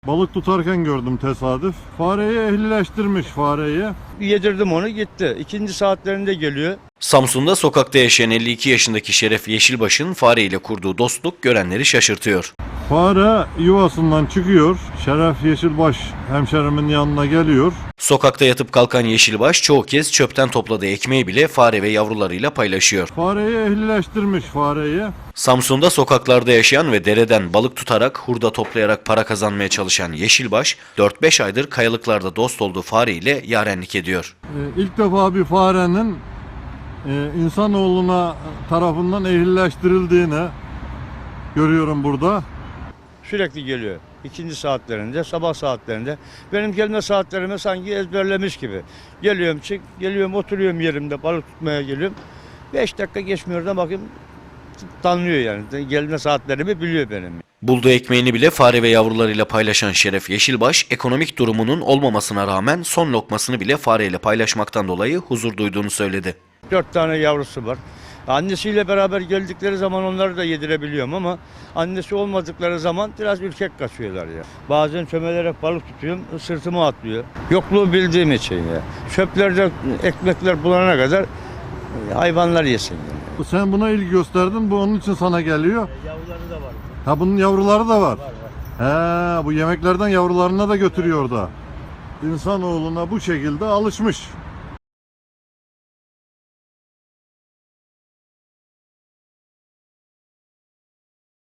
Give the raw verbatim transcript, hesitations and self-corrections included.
Balık tutarken gördüm tesadüf. Fareyi ehlileştirmiş fareyi. Yedirdim onu, gitti. İkinci saatlerinde geliyor. Samsun'da sokakta yaşayan elli iki yaşındaki Şeref Yeşilbaş'ın fareyle kurduğu dostluk görenleri şaşırtıyor. Fare yuvasından çıkıyor. Şeref Yeşilbaş hemşerimin yanına geliyor. Sokakta yatıp kalkan Yeşilbaş çoğu kez çöpten topladığı ekmeği bile fare ve yavrularıyla paylaşıyor. Fareyi ehlileştirmiş fareyi. Samsun'da sokaklarda yaşayan ve dereden balık tutarak, hurda toplayarak para kazanmaya çalışan Yeşilbaş, dört beş aydır kayalıklarda dost olduğu fareyle yarenlik ediyor. Ee, ilk defa bir farenin e, insanoğluna tarafından ehlileştirildiğini görüyorum burada. Sürekli geliyor. İkinci saatlerinde, sabah saatlerinde. Benim gelme saatlerime sanki ezberlemiş gibi. Geliyorum, çık, geliyorum, oturuyorum yerimde, balık tutmaya geliyorum. Beş dakika geçmiyor da bakayım tanıyor yani. Gelme saatlerimi biliyor benim. Bulduğu ekmeğini bile fare ve yavrularıyla paylaşan Şeref Yeşilbaş, ekonomik durumunun olmamasına rağmen son lokmasını bile fareyle paylaşmaktan dolayı huzur duyduğunu söyledi. Dört tane yavrusu var. Annesiyle beraber geldikleri zaman onları da yedirebiliyorum ama annesi olmadıkları zaman biraz ürkek kaçıyorlar ya. Bazen çömelerek balık tutuyorum, sırtıma atlıyor. Yokluğu bildiğim için ya. Çöplerde ekmekler bulana kadar hayvanlar yesin yani. Sen buna ilgi gösterdin, bu onun için sana geliyor. Yavruları da var. Ha, bunun yavruları da var. He, bu yemeklerden yavrularına da götürüyor da. İnsanoğluna bu şekilde alışmış.